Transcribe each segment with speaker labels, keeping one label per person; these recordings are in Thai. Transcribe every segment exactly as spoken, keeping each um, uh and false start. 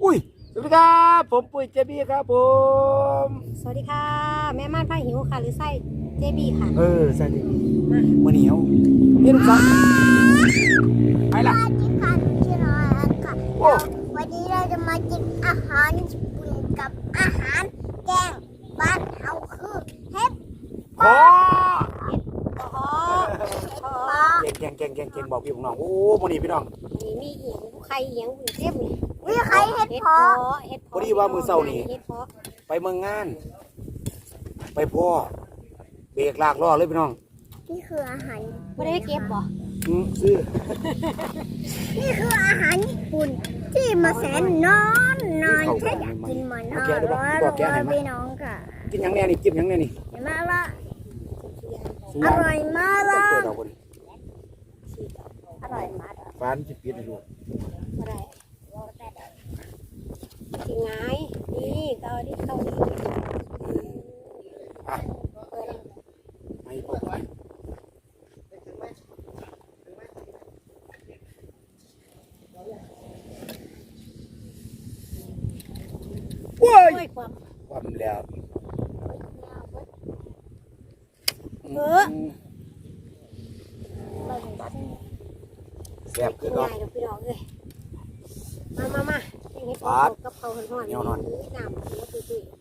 Speaker 1: อุ้ยสวัสดีครับผมปุ้ยเจบี้ครับผม
Speaker 2: สวัสดีค่ะแม่ม่านผ้าหิวค่ะหรือไส้เจบีค่ะ
Speaker 1: เออใช่เจบี้มาวันนี้เอาเห็นสักไปละ
Speaker 3: สวัสดีค่ะชื่อน้อยค่ะ
Speaker 1: โอ้
Speaker 3: วันนี้เราจะมากินอาหารญี่ปุ่นกับอาหารแกงบ้านเราคือเห็ด
Speaker 1: ขอ
Speaker 2: อ๋ออ๋อ
Speaker 3: ปลา
Speaker 1: เก่งเก่งเก่งเก่งเก่งบอกพี่ของน้องโอ้วันนี้พี่น้อง
Speaker 2: นี่มีเหียงไข่เหียงเจ็บเลย
Speaker 3: วิไข่เห็ด
Speaker 2: เห็ด
Speaker 3: เพ
Speaker 2: เพา
Speaker 3: าะ
Speaker 2: ะเห็ด
Speaker 1: พอดีว่ามือเศร้านี่
Speaker 2: เห็ดเพาะ
Speaker 1: ไปเมืองงาน ไปพ่อเบรกลากล้อเลยพี่น้อง
Speaker 3: นี่คืออาหาร
Speaker 2: ไม่ได้เก็บบ่
Speaker 1: อืมซื้อ
Speaker 3: นี่คืออาหารญี่ปุ่นที่มาแสนนอนนอนถ้าอยากกินมันอร่อยรวยพี่น้องค่ะ
Speaker 1: กินหยังแน่นี่กินหยังแน่นี่
Speaker 3: เห็นไหมล่ะ
Speaker 1: ซื้
Speaker 3: อร่อยมาก
Speaker 1: ต้
Speaker 3: เล
Speaker 1: องเปิด
Speaker 3: ย
Speaker 1: เอาคน
Speaker 3: อร่อยมาก
Speaker 1: ฟ้านจะปิดให้ดู
Speaker 2: ไม่ได้กินไงนี่เกาดิเกาดิ
Speaker 1: อ่ะไม่พอไปโว้ย
Speaker 2: ด้วยความ
Speaker 1: ความแล้ว
Speaker 2: เออ
Speaker 1: แซ่บ
Speaker 2: กิ
Speaker 1: คื
Speaker 2: น
Speaker 1: อก็
Speaker 2: ง่ายเดี๋ยวพี่น้องเลยมามามาเห็ดเพาะกับเขาห่อนๆน้ำหัวตุ้ย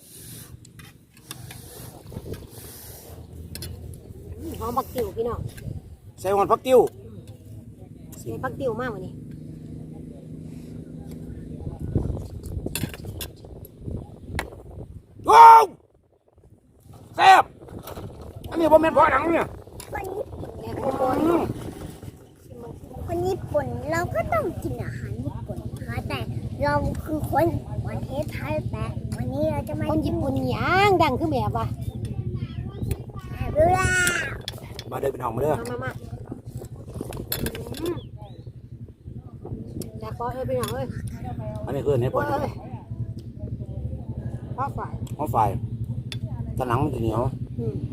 Speaker 2: ๆหอมบักติ๋วพี่น้อง
Speaker 1: ใส่หอนผักติ้ว
Speaker 2: ใส่บักติ๋วมากกว่านี้
Speaker 1: ว้าวแซ่บอันนี้ผมเป็นพ่อหนังเนี่ย
Speaker 3: คนญี่ปุ่น
Speaker 2: แล้
Speaker 3: นะ
Speaker 2: ว
Speaker 3: ค
Speaker 2: ก็
Speaker 3: น
Speaker 2: บน
Speaker 3: คนญี่ปุ่นเราก็ต้องกินอาหารญี่ปุ่นนะคะแต่เราคือคนประเทศไทยแต่วันนี้เราจะมา
Speaker 2: คนญี่ปุ่นย่างดังคือแบบว่า
Speaker 3: เรือ
Speaker 1: มาเดินเป็นห้องมาเด้อ
Speaker 2: มามามาแต่ก็เอ้ยพี่น้องเอ้ย
Speaker 1: อันนี้คือเห็ด
Speaker 2: โอ้
Speaker 1: พ่อย
Speaker 2: เอ้ยพ่อฝ่าย
Speaker 1: หอมไฟตะหนังมันจะเหนียว
Speaker 2: อืม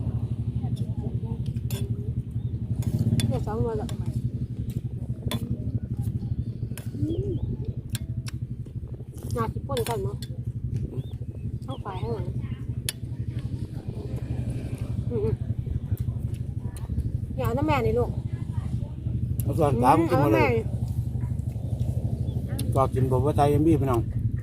Speaker 2: เนี่ยสองวันละน่าสิป่นกันเนาะพ่อฝ่ายข้างหลังอืมๆอย่าเอาน้ำแม่นี่ลูก
Speaker 1: เอาส่วนกลางกินหมดเลยก็กินผมว่าไทยเอ็มบี้พี่น้อง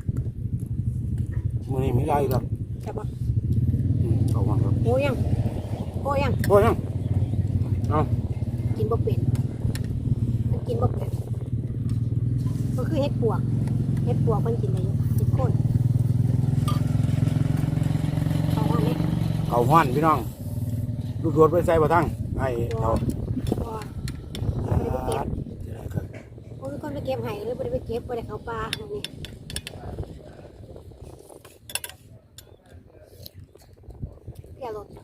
Speaker 1: มือนี้ไม่ได้ครับ
Speaker 2: จับปะ
Speaker 1: อืมเอามาครับ
Speaker 2: โอ้ยังโอ้ยัง
Speaker 1: โอ้ยยังเอา
Speaker 2: กินบ่เป็นมันกินบ่เป็นก็คือเห็ดปวกเห็ดปวกมันกินได้อยู่เห็ดโคนเขาว่าไหม
Speaker 1: เขาห้อนพี่น้องลูกโดดไปใส่บ่ทั้งไอ้เรา
Speaker 2: ตัวไม่ได้ไปเก็บโอ้ยคนไปเก็บไห้หรือไม่ได้ไปเก็บไม่ได้เข้าป่าอันนี้เปียรถ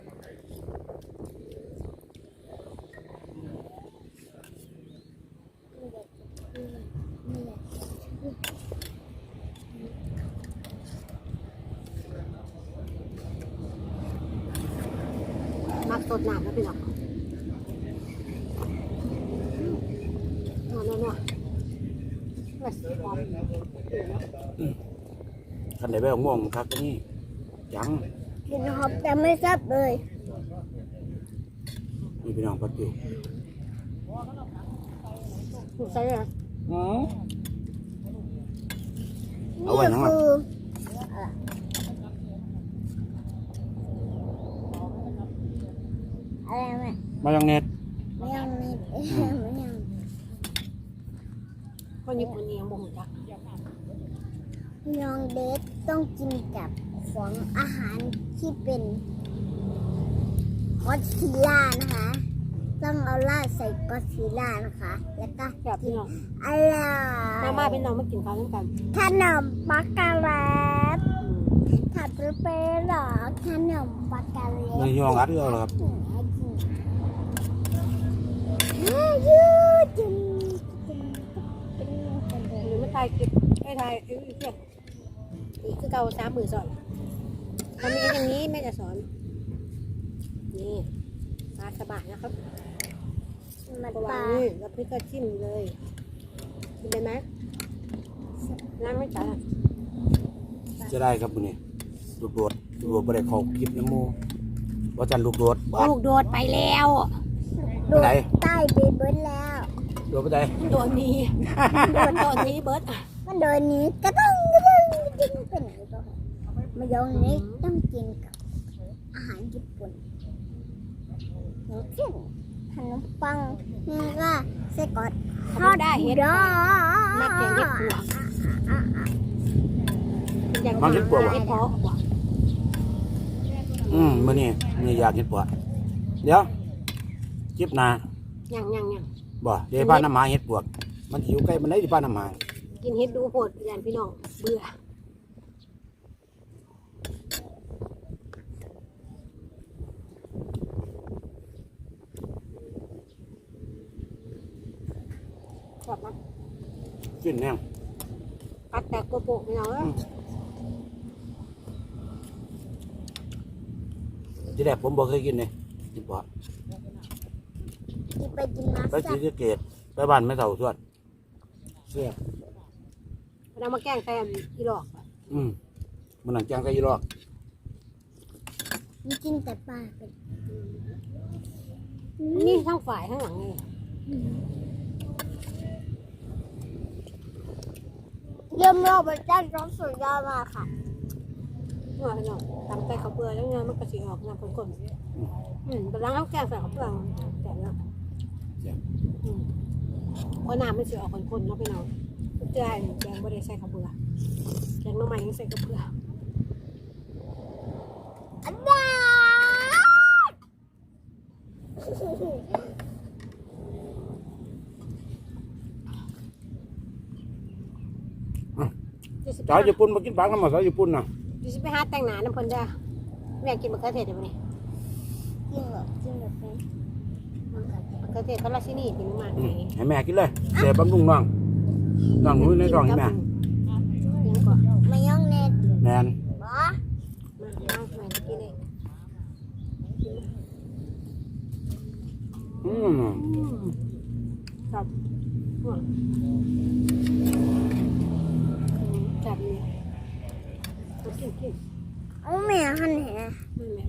Speaker 2: มักสดน้ำแล้วพี่น้องนัวนัวนัวแบบหอม
Speaker 1: คันไหนไปของม่วงครับตัวนี้ยัง
Speaker 3: กินหอมแต่ไม่แซ่บเลย
Speaker 1: นี่พี่น้องพัดอยู่
Speaker 2: ถูกใส่เลย
Speaker 1: อืม เอา
Speaker 3: นี่
Speaker 1: ไว้ยังไง
Speaker 3: คืออะไรแม่
Speaker 1: มายองเนส
Speaker 3: ไม่ยังมีไม่ยัง
Speaker 2: คนญี่ปุ่นยังบ่หูจัก
Speaker 3: น้องเด็กต้องกินกับของอาหารที่เป็นกอดซิลล่านะคะ ต้องเอาลาดใส่กอดซิลล่านะคะ แล้วก็
Speaker 2: แบบพี่น้อง
Speaker 3: อร่อย
Speaker 2: มามาเป็นน้องมากินข้าวด้วยกัน
Speaker 3: ขนมปักกะแรตถัดไปเป็นหรอขนมปักกะแร
Speaker 1: ใน
Speaker 3: ต
Speaker 1: ยองอัดเยอะเลยครับ
Speaker 3: ยืดจน
Speaker 2: หรือไม่ตายกินไม่ตายเอ้ยเพื่อนนี่คือเก่าสามหมื่นสอนทำอย่างนี้แม่จะสอน นี่ปลาสบายนะครับ
Speaker 3: มัน
Speaker 2: ระ
Speaker 3: ป
Speaker 2: วั
Speaker 3: ลาง
Speaker 2: นี่แล้วพี่ก็จิ้มเลยกินได้ไหม
Speaker 3: ส
Speaker 2: น้ำไม่จ่าย
Speaker 1: จะได้ครับมื้อนี้ลูกโดดลูกโดดบ่ได้เข้าคลิปน้ำหมู่ว่าจันลูกโดดบ่
Speaker 2: ลูกโดดไปแล้ว
Speaker 3: โดดใต้ไปเบิร์ดแล้ว
Speaker 1: โดดไปได้
Speaker 2: โดดนี้โดดโดดนี้เบิร์ด
Speaker 3: มันโดนนี้ก็ต้องก็ต้องกินเป็นอะไรก็มายองเนสต้องกินกับอาหารญี่ปุ่นอย่างเช่นขนมปังนี่ก็ไส้กรอก
Speaker 2: ทอดได้เห็ด
Speaker 3: ดอ
Speaker 2: มักแกงเห็ดปวกอยาก
Speaker 1: มักเห็ดปวก
Speaker 2: เห็ดเพาะ
Speaker 1: อืมมื้อนี้มื้ออยากเฮ็ดปวกเดี๋ยวคลิปหน้า
Speaker 2: ยังยังยัง
Speaker 1: บ่เดี๋ยวบ้านน้ำหมาเฮ็ดปวกมันหิวใกล้มันได้ที่บ้านน้ำหมา
Speaker 2: กินเห็ดดูโหดยานพี่น้องเบื่อชอบนะ
Speaker 1: กินแน่ง
Speaker 2: กัดแต่กระโปงพี่น้องเอ้ย
Speaker 1: ที่แรกผมบ่เคยกินเลยเฮ็ดปวก
Speaker 3: กินไปกินมา
Speaker 1: ไป
Speaker 3: แซ่
Speaker 1: ศรี
Speaker 3: บ
Speaker 1: สะเกษไปบ้านแม่เฒ่าทวดเสียบ
Speaker 2: เรามาแกล้งแฟนอีหลอก
Speaker 1: อืมมันหนังจางไก่ยีรอก
Speaker 3: มันกินแต่ปลาเป็น
Speaker 2: นี่ทั้งฝ่ายทั้งหลังเลย
Speaker 3: เยี่ยมรอบเป็นด้านร้อนสุดยอดมากค่ะ
Speaker 2: เมื่อพี่น้องตำไก่ข้าวเปลือกแล้วเงี้ยมันกระสีออกน้ำข้นๆอืมแต่ล้างข้าวแกงใส่ข้าวเปลือกแต่ละ
Speaker 1: เสียบ
Speaker 2: อืมเพราะน้ำมันสีออกข้นๆเนาะพี่น้องเจ้าแกงไม่ได้ใส่ข้าวเปลือกแกงน้ำมันยังใส่ข้าวเปลือก
Speaker 3: อันนั้น
Speaker 1: สาวญี่ปุ่นมากินปากน้ำมาสาวญี่ปุ่นน่ะ
Speaker 2: ดิฉันไปหาแต่งหน้าน้ำเพลินจ้าแม่กินมะเขือเทศเดี๋ยวนี้
Speaker 3: กินแบบกินแบบเป็น
Speaker 2: มะเขือเทศก็ราชินีเป็นมาก
Speaker 1: อื
Speaker 2: ไหน
Speaker 1: มให้แม่กินเลยเสียบำรุงน้องน้องมือในท้องให้แม่
Speaker 2: ยังก่อน
Speaker 3: มายองเนส
Speaker 1: แมน
Speaker 3: บอ
Speaker 2: มามาแม่กินเลย
Speaker 1: อืม
Speaker 2: ครับจับเลยกินกิน
Speaker 3: เอาแม่หันแห
Speaker 2: แม่แม่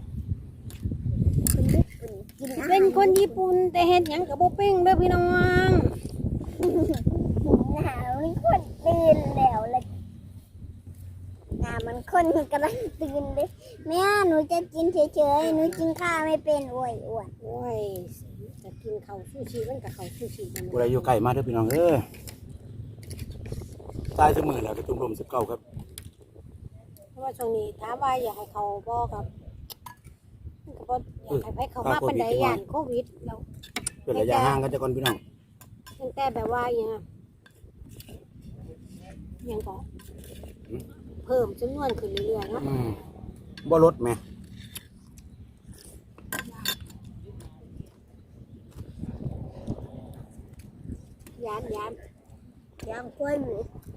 Speaker 3: คนญี่ปุ่นกินอาหาร
Speaker 2: เป็นคนญี่ปุ่นแต่เห็ดหยังกับโบปิ้งเด้อพี่น้อง
Speaker 3: หนาวนี่คนตื่นแล้วเลยหนามันคนกำลังตื่นเลยแม่หนูจะกินเฉยๆหนูกินข้าวไม่เป็นอ้วยอ้วน
Speaker 2: โอ้ยจะกินข้าวซูชิมันกับข้าวซูชิมัน
Speaker 1: ผู้ใดอยู่ใกล้มาเด้อพี่น้องเอ้ยตายเสมอแล้วกระตุ้มลมสิบเก้าครับ
Speaker 2: เพราะว่าช่วงนี้ถามว่าอยากให้เขาบอกครับก็บ่อยากให้ไปเขามาเป็นไดยานโควิดแล้ว
Speaker 1: เป็นระยะห่างกันจะก่อนพี่น้อง
Speaker 2: ตั้งแต่แบบว่าอย่างยังก็เพิ่มจำนวนขึ้นเรื่อยๆเนาะ
Speaker 1: อืมบ่ลดแม่
Speaker 2: ยานยาน
Speaker 3: ยางกล้วยหวี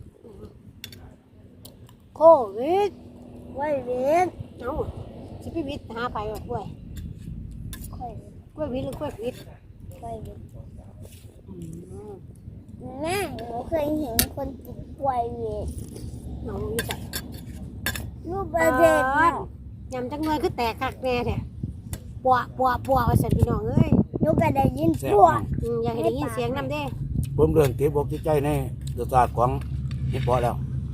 Speaker 2: โควิด
Speaker 3: กล้วยหวี
Speaker 2: เอ้าสิพี่วิทย์หาไปแบบกล้วย
Speaker 3: กล้วย
Speaker 2: กล้วยวิทย์หรือกล้วยวิทย์
Speaker 3: กล้วยหวี
Speaker 2: อืม
Speaker 3: แม่หนูเคยเห็นคนกินกล้วยหวี
Speaker 2: น้องอยู่ใส่
Speaker 3: รูปประเทศน่ะ
Speaker 2: ยำจังเลยคือแตกคักแน่แท้ปัวปัวปัวว่าสันพี่น้องเอ้ย
Speaker 3: หนูก็ได้ยิน
Speaker 1: แซ่บ
Speaker 3: พวก
Speaker 1: มาก
Speaker 2: อืมอยากให้ได้ยินเสียงนำเด้
Speaker 1: ผมเรื่องเก็บอกจิตใจในรสชาติของเห็ดเพาะแล้ว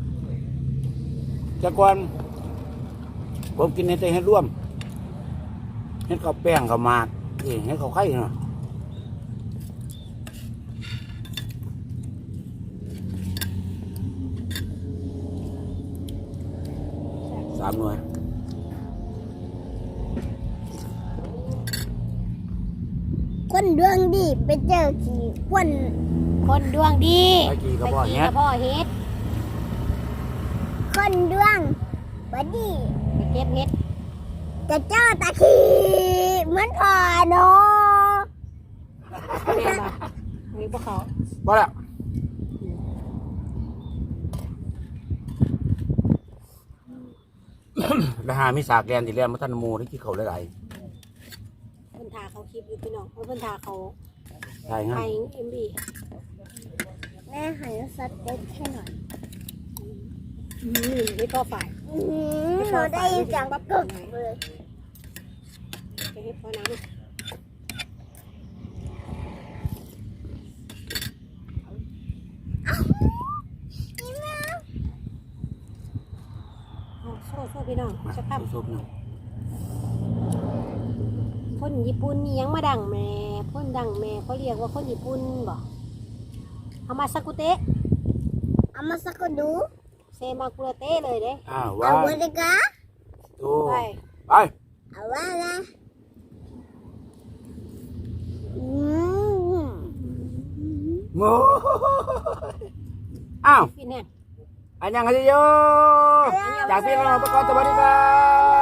Speaker 1: จากก่อนผมกินเห็ดแต่เห็ดร่วมเห็ดข้าวแป้งข้าวหมากเองเห็ดข้าวไข่เนาะสามหน่วย
Speaker 3: คนดวงดีไปเจอขี่คน
Speaker 2: คนดวงดี
Speaker 1: ไปกี่กระบอก
Speaker 2: ไป
Speaker 1: เนี้ย
Speaker 2: กระพ่อเฮ็ด
Speaker 3: คนดวงบดี
Speaker 2: ไปเก็บเฮ็ด
Speaker 3: จะเจ้าตะขีเหมือนพอเนาะ
Speaker 2: แม่บ่มีพวกเขา
Speaker 1: บ่ละ แล้วหามีสากแกนที่เรียนมาท่านหมูที่เขาหลาย
Speaker 2: เพิ่นทาเขาคลิปอยู่พี่น้องเพิ่นทาเขา
Speaker 1: ๆใช่ฮะ
Speaker 2: ไอเอ็มบี
Speaker 3: แม่หันสเต็กให้หน่อย
Speaker 2: อืมไม่พอฝ่าย
Speaker 3: อื้อหือเราได้ยินเสียงกึกเลย
Speaker 2: ไปให้พอน้ำ
Speaker 3: นี่แม่
Speaker 2: เอาโซ่โซ่พี่น้อง
Speaker 1: มา
Speaker 2: จะพับ
Speaker 1: ซุปหนึ่ง
Speaker 2: คนญี่ปุ่นนี่ยังมาดังแม่พ่นดังแม่เขาเรียกว่าคนญี่ปุ่นบ่เอามาซากุเตะ
Speaker 3: เอามาสักดู
Speaker 2: เซมากุระเตะเลยเด้
Speaker 1: อ้าว
Speaker 3: เอา
Speaker 1: วา
Speaker 3: ไว้
Speaker 1: ย
Speaker 3: ดีกว่า
Speaker 1: ดู
Speaker 2: ไป
Speaker 1: ไป
Speaker 3: เอาไว้นะอืม
Speaker 1: โง่อ้าว
Speaker 2: พี่เนี่ย
Speaker 1: อันยังไงโยจากพี่น้องทุกคนสวัสดีครับ